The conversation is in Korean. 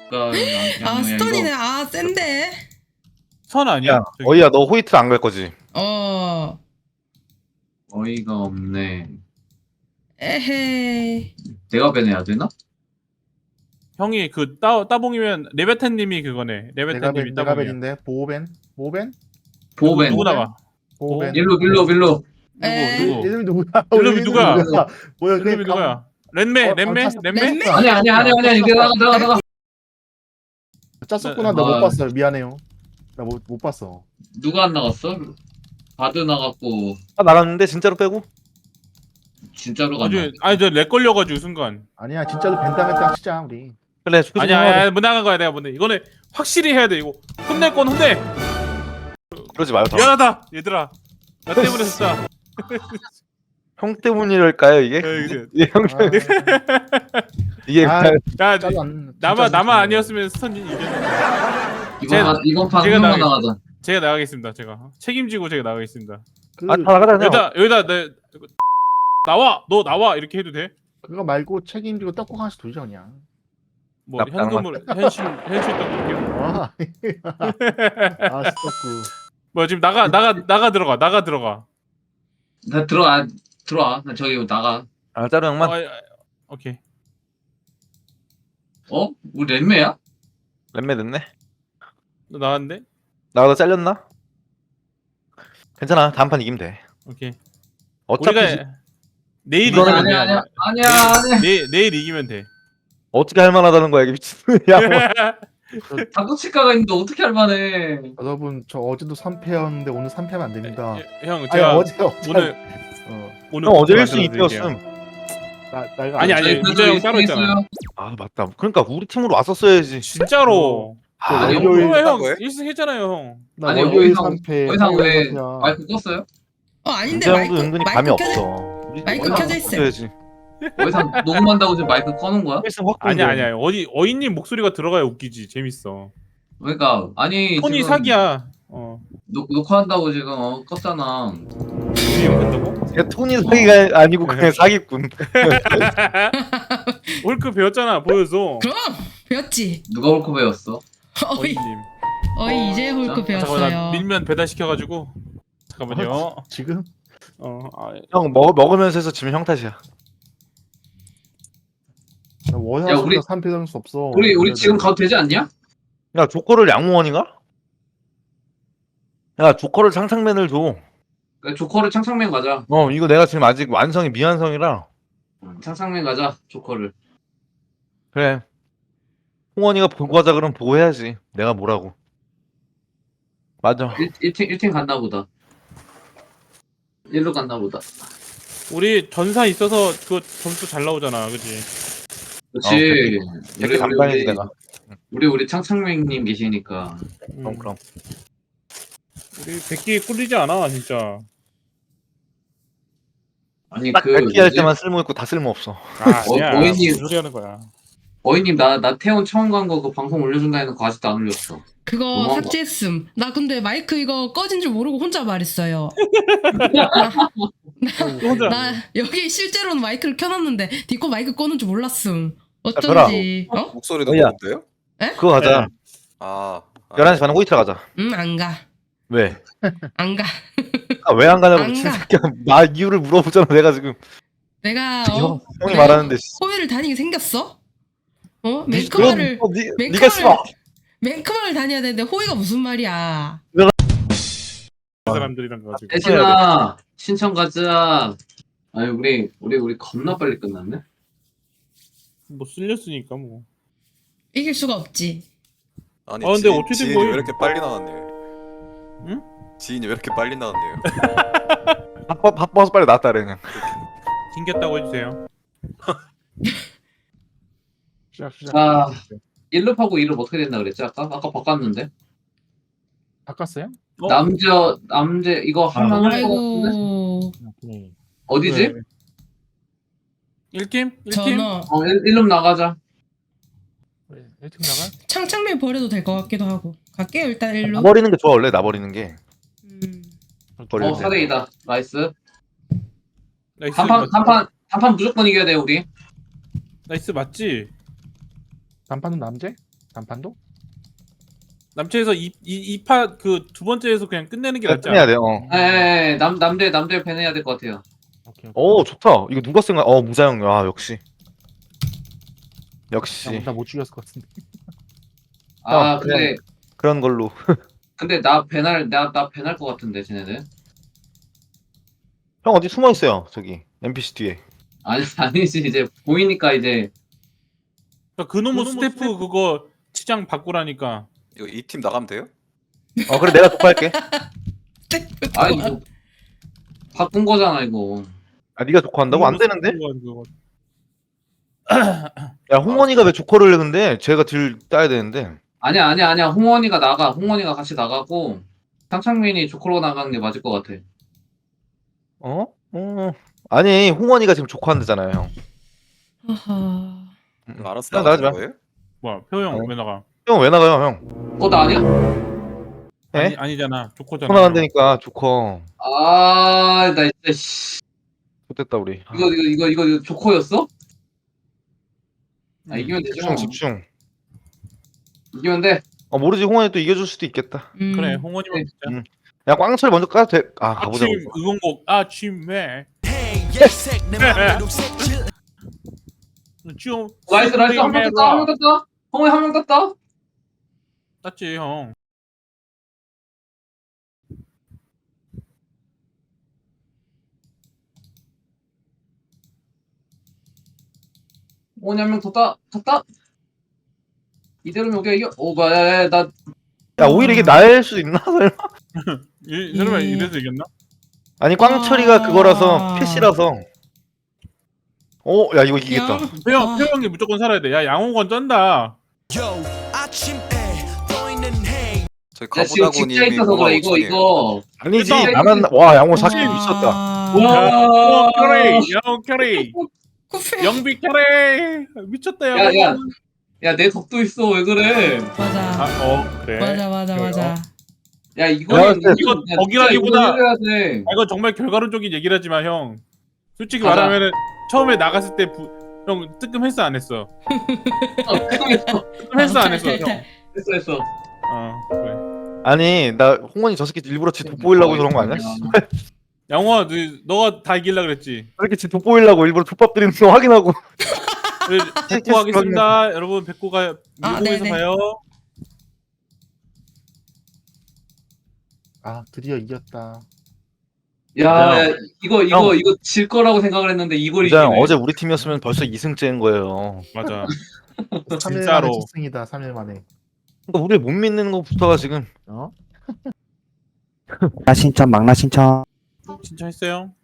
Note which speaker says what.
Speaker 1: 아 스턴이네. 아 센데.
Speaker 2: 선 아니야?
Speaker 3: 야, 어이야, 너 호이트 안 갈 거지?
Speaker 1: 어.
Speaker 4: 어이가 없네.
Speaker 1: 에헤이.
Speaker 4: 내가 빼내야 되나?
Speaker 2: 형이 그 따봉이면 레베탄님이 그거네. 레베탄님이 따봉이야.
Speaker 5: 내가벤인데 보호벤? 보호벤?
Speaker 4: 보호벤.
Speaker 2: 누구 나가?
Speaker 5: 보호벤?
Speaker 4: 빌로.
Speaker 1: 에.
Speaker 2: 누구?
Speaker 5: 이름이 누구야?
Speaker 2: 이름이 누구야?
Speaker 5: 뭐야?
Speaker 2: 이름이 누구야? 렌메?
Speaker 1: 렌메?
Speaker 4: 아니야. 이게 나가.
Speaker 5: 짰었구나. 나 못 봤어. 미안해요. 나 못 봤어.
Speaker 4: 누가 안 나갔어? 바드 나갔고
Speaker 3: 아, 나갔는데 진짜로 빼고?
Speaker 4: 진짜로 갔나?
Speaker 2: 아니 저렉 걸려가지고 순간.
Speaker 5: 아니야, 진짜로 벤당했다 치자 우리.
Speaker 3: 그래,
Speaker 2: 아니야, 못 나간 거야 내가 보네. 이거는 확실히 해야 돼 이거. 혼낼 건 혼내.
Speaker 3: 그러지 마요.
Speaker 2: 미안하다 얘들아. 나 때문에 진짜.
Speaker 3: 형 때문일까요, 이게? 이게 형 때문에. 이게
Speaker 5: 아,
Speaker 3: 그냥
Speaker 2: 야 나만 아니었으면 스턴이 이겼는데.
Speaker 4: 이번 판
Speaker 2: 제가
Speaker 4: 한번
Speaker 2: 나가-
Speaker 4: 나가자.
Speaker 2: 제가 나가겠습니다. 제가 책임지고 제가 나가겠습니다.
Speaker 3: 아, 다 나가자, 그냥.
Speaker 2: 여기다 내 나와 너 나와 이렇게 해도 돼?
Speaker 5: 그거 말고 책임지고 떡국 하나씩 돌자 그냥.
Speaker 2: 뭐 현금을 현실 떡볶이요?
Speaker 5: 와. 아, 떡국.
Speaker 2: 뭐 지금 나가 들어가.
Speaker 4: 나 들어와. 나 저기 나가.
Speaker 3: 아, 짜루 형만.
Speaker 2: 오케이.
Speaker 4: 우리 랜매야?
Speaker 3: 렛매 됐네.
Speaker 2: 너 나왔는데?
Speaker 3: 나가다 잘렸나? 괜찮아, 다음 판 이기면 돼.
Speaker 2: 오케이.
Speaker 3: 어차피
Speaker 2: 우리가 내일
Speaker 3: 이거는
Speaker 2: 이기면 돼.
Speaker 4: 아니야.
Speaker 2: 내일 이기면 돼.
Speaker 3: 어떻게 할 만하다는 거야, 이게 미친. 야, 뭐.
Speaker 4: 다도치카가 있는데 어떻게 할 만해?
Speaker 5: 여러분 저 어제도 3패였는데 오늘 3패면 안 됩니다.
Speaker 2: 형
Speaker 5: 아니,
Speaker 2: 제가
Speaker 5: 어제
Speaker 2: 오늘
Speaker 3: 형 어제
Speaker 2: 만들어서
Speaker 3: 1승
Speaker 2: 드릴게요.
Speaker 3: 2패였음.
Speaker 5: 내가
Speaker 2: 아니,
Speaker 4: 저희
Speaker 2: 문자 형 따로
Speaker 4: 있어요.
Speaker 2: 있잖아.
Speaker 3: 아, 맞다. 그러니까 우리 팀으로 왔었어야지.
Speaker 2: 진짜로.
Speaker 3: 아,
Speaker 4: 아니,
Speaker 5: 월요일
Speaker 2: 형
Speaker 6: 거예요?
Speaker 2: 1승 했잖아요 형.
Speaker 5: 나
Speaker 4: 아니,
Speaker 5: 월요일
Speaker 4: 어디서-
Speaker 5: 3패.
Speaker 4: 어디서 왜
Speaker 5: 화요일 3패야.
Speaker 4: 마이크 껐어요?
Speaker 1: 아닌데
Speaker 3: 문제 형도
Speaker 1: 마이크
Speaker 3: 은근히 감이
Speaker 1: 마이크 켜져.
Speaker 3: 없어. 우리
Speaker 1: 마이크
Speaker 3: 팀으로
Speaker 1: 켜져 있어.
Speaker 3: 왔었어야지.
Speaker 4: 어디서 녹음한다고 지금 마이크 꺼놓은 거야?
Speaker 3: 1승 확
Speaker 2: 아니야. 어이님 목소리가 들어가야 웃기지. 재밌어.
Speaker 4: 그러니까 아니
Speaker 2: 톤이
Speaker 4: 지금
Speaker 2: 사기야.
Speaker 4: 녹화한다고 지금 껐잖아.
Speaker 2: 우리 형 한다고?
Speaker 3: 야, 톤이 사기가 아니고 그냥 사기꾼.
Speaker 2: 홀크 배웠잖아. 보여줘.
Speaker 1: 그럼 배웠지.
Speaker 4: 누가 홀코 배웠어?
Speaker 1: 어이
Speaker 2: 어이님.
Speaker 1: 이제 홀크
Speaker 4: 잠깐만,
Speaker 2: 잠깐만 나
Speaker 1: 배웠어요.
Speaker 2: 밀면 배달 시켜가지고. 잠깐만요.
Speaker 5: 지금
Speaker 3: 형 먹으면서 해서 지면 형 탓이야.
Speaker 5: 나
Speaker 4: 야,
Speaker 5: 월화수가
Speaker 4: 우리-
Speaker 5: 3패 할수 없어.
Speaker 4: 우리 지금 가도 되지 않냐?
Speaker 3: 야, 조커를 양무원인가? 야, 조커를 상상맨을 줘.
Speaker 4: 그러니까 조커를 창상맨 가자.
Speaker 3: 이거 내가 지금 아직 완성이 미완성이라.
Speaker 4: 창상맨 가자. 조커를.
Speaker 3: 그래. 홍원이가 보고 하자 그러면 보고 해야지. 내가 뭐라고. 맞아.
Speaker 4: 1팀 갔나 보다. 1로 갔나 보다.
Speaker 2: 우리 전사 있어서 그거 점수 잘 나오잖아. 그지?
Speaker 4: 그렇지.
Speaker 3: 이렇게 담당해지 내가.
Speaker 4: 우리 창상맨님 계시니까.
Speaker 3: 그럼.
Speaker 2: 우리 100개 꿀리지 않아 진짜.
Speaker 4: 아니
Speaker 3: 딱
Speaker 4: 그
Speaker 3: 100개 할
Speaker 4: 뭐지?
Speaker 3: 때만 쓸모 있고 다 쓸모 없어.
Speaker 2: 아니야.
Speaker 4: 어이님.
Speaker 2: 무슨 소리 하는 거야.
Speaker 4: 어이님 나 태원 처음 간 거 그 방송 올려준다 해놓고 아직도 안 올렸어.
Speaker 1: 그거
Speaker 4: 너무한 거.
Speaker 1: 삭제했음. 나 근데 마이크 이거 꺼진 줄 모르고 혼자 말했어요.
Speaker 2: 혼자.
Speaker 1: 나 여기 실제로는 마이크를 켜놨는데 디코 마이크 꺼는 줄 몰랐음.
Speaker 3: 별아.
Speaker 1: 어쩐지.
Speaker 6: 목소리도
Speaker 3: 어이야.
Speaker 6: 그런데요?
Speaker 3: 그거 가자.
Speaker 6: 아,
Speaker 3: 11시 반에 호이트라 가자.
Speaker 1: 안 가.
Speaker 3: 왜?
Speaker 1: 안 가.
Speaker 3: 아, 왜 안 가냐고
Speaker 1: 안
Speaker 3: 미친
Speaker 1: 가.
Speaker 3: 새끼야. 나 이유를 물어보잖아. 내가 지금.
Speaker 1: 내가
Speaker 3: 형이 말하는데.
Speaker 1: 호위를 다니게 생겼어?
Speaker 3: 그럼
Speaker 1: 맨크마를
Speaker 3: 네가 써.
Speaker 1: 맨크마를 다녀야 되는데 호위가 무슨 말이야?
Speaker 2: 그 사람들이랑 가지고.
Speaker 4: 대신아 신청 가자. 아니 우리 겁나 빨리 끝났네.
Speaker 2: 뭐 쓸렸으니까 뭐.
Speaker 1: 이길 수가 없지.
Speaker 6: 아니
Speaker 2: 근데
Speaker 6: 지인,
Speaker 2: 어떻게 된
Speaker 6: 지인이
Speaker 2: 거예요?
Speaker 6: 왜 이렇게 빨리 나왔네요?
Speaker 2: 응?
Speaker 6: 지인이 왜 이렇게 빨리 나왔네요?
Speaker 3: 바빠서 빨리 나왔다 그냥.
Speaker 2: 튕겼다고 해주세요.
Speaker 5: 시작.
Speaker 4: 아 1룹하고 2룹 어떻게 된다 그랬지 아까 바꿨는데.
Speaker 5: 바꿨어요?
Speaker 4: 남자 이거 한명 할 거 같은데.
Speaker 1: 아이고
Speaker 4: 어디지?
Speaker 2: 1팀? 1팀?
Speaker 1: 전어
Speaker 4: 1룹 나가자.
Speaker 5: 왜 1팀 나가?
Speaker 1: 창창맨 버려도 될 것 같기도 하고. 갈게요 일단 일로.
Speaker 3: 나 버리는 게 좋아 원래 나 버리는 게. 버리는 게.
Speaker 4: 4대2다. 나이스.
Speaker 2: 나이스.
Speaker 4: 단판 무조건 이겨야 돼 우리.
Speaker 2: 나이스 맞지?
Speaker 5: 단판은 남제? 단판도?
Speaker 2: 남체에서 이파 그 두 번째에서 그냥 끝내는 게 낫지
Speaker 3: 끝내야
Speaker 2: 않아?
Speaker 3: 돼요.
Speaker 4: 예, 남들 밴해야 될 것 같아요.
Speaker 5: 오케이.
Speaker 3: 오 좋다. 이거 누가 쓴 거야? 무자형. 아 역시. 역시
Speaker 5: 나못 죽였을 것 같은데.
Speaker 4: 아,
Speaker 3: 그냥- 그런 걸로.
Speaker 4: 근데 나 밴할 것 같은데, 쟤네들.
Speaker 3: 형 어디 숨어 있어요? 저기 NPC 뒤에.
Speaker 4: 아니지, 이제 보이니까 이제.
Speaker 2: 그러니까 그놈의 스태프 그거 치장 바꾸라니까.
Speaker 6: 이거 이 팀 나가면 돼요?
Speaker 3: 그래 내가 독할게.
Speaker 4: 아니, 뭐, 바꾼 거잖아, 이거.
Speaker 3: 네가 조커 한다고? 안 되는데?
Speaker 2: 그거.
Speaker 3: 야 홍원이가 왜 조커를 해 근데? 쟤가 딜 따야 되는데.
Speaker 4: 아니야. 홍원이가 나가. 홍원이가 같이 나가고, 상창민이 조커로 나가는 게 맞을 것 같아.
Speaker 3: 아니 홍원이가 지금 조커 한다잖아요 형.
Speaker 1: 아하.
Speaker 6: 알았어
Speaker 3: 형,
Speaker 6: 나가는
Speaker 3: 나가지 마.
Speaker 6: 거예요?
Speaker 2: 뭐야 표형
Speaker 3: 어.
Speaker 2: 왜 나가?
Speaker 3: 형 왜 나가요 형?
Speaker 4: 나 아니야?
Speaker 3: 예?
Speaker 2: 아니잖아. 조커잖아.
Speaker 3: 조커 나간다니까 조커.
Speaker 4: 아, 나 진짜, 씨.
Speaker 3: 좋됐다 우리.
Speaker 4: 이거 조커였어? 아, 이기면 되죠.
Speaker 3: 집중 집중.
Speaker 4: 이기면 돼.
Speaker 3: 모르지 홍원이 또 이겨줄 수도 있겠다.
Speaker 2: 그래 홍원이만 진짜.
Speaker 3: 야 꽝철 먼저 까도 돼. 가보자.
Speaker 2: 아침 응원곡 아침에 좀
Speaker 4: 나이스, 한 명 떴다. 홍원이 한 명 떴다.
Speaker 2: 땄지 형.
Speaker 4: 홍원이 한 명 떴다. 이대로면 우리가 이겨. 나
Speaker 3: 야 오히려 이게 나을 수도 있나? 설마?
Speaker 2: 설마
Speaker 1: 예.
Speaker 2: 이래서 이겼나?
Speaker 3: 아니 꽝철이가 그거라서 패시라서. 야 이거 이기겠다.
Speaker 2: 표형이 무조건 살아야 돼. 야 양호건 쩐다.
Speaker 6: 저희
Speaker 4: 야, 지금 직자
Speaker 6: 가보다고님이
Speaker 4: 있어서 그래. 이거.
Speaker 3: 아니지
Speaker 2: 일단-
Speaker 3: 나만 와 양호 사실 미쳤다.
Speaker 4: 와.
Speaker 2: 양호 캐리.
Speaker 1: 쿠페.
Speaker 2: 영비 캐리. 미쳤다
Speaker 4: 야,
Speaker 2: 야.
Speaker 4: 야, 내 덕도 있어. 왜 그래?
Speaker 1: 맞아.
Speaker 2: 그래.
Speaker 1: 맞아.
Speaker 4: 야,
Speaker 3: 야,
Speaker 4: 이거는
Speaker 2: 이거 덕이라기보다-
Speaker 4: 해야 돼.
Speaker 2: 이건 정말 결과론적인 얘기를 하지만 형 솔직히
Speaker 4: 맞아.
Speaker 2: 말하면은 처음에 나갔을 때 형 뜨끔했어 안 했어? 뜨끔했어 안 했어? 형.
Speaker 4: 했어.
Speaker 2: 그래.
Speaker 3: 아니 나 홍원이 저 새끼 일부러 지 돋보이려고 그런 거 아니야?
Speaker 2: 양호아 너가 다 이길라 그랬지.
Speaker 3: 이렇게 지 돋보이려고 일부러 족밥 드리는 거 확인하고.
Speaker 2: 백고 하겠습니다. 여러분 백고가 미국에서
Speaker 1: 네네.
Speaker 2: 봐요.
Speaker 5: 드디어 이겼다.
Speaker 4: 야, 이거 질 거라고 생각을 했는데 이걸
Speaker 3: 진짜
Speaker 4: 이기네.
Speaker 3: 어제 우리 팀이었으면 벌써 2승째인 거예요.
Speaker 2: 맞아.
Speaker 5: 3일
Speaker 2: 진짜로.
Speaker 5: 만에 첫승이다. 3일 만에.
Speaker 3: 그러니까 우리를 못 믿는 것부터가 지금.
Speaker 5: 어?
Speaker 7: 신청 막나 신청
Speaker 2: 신청했어요.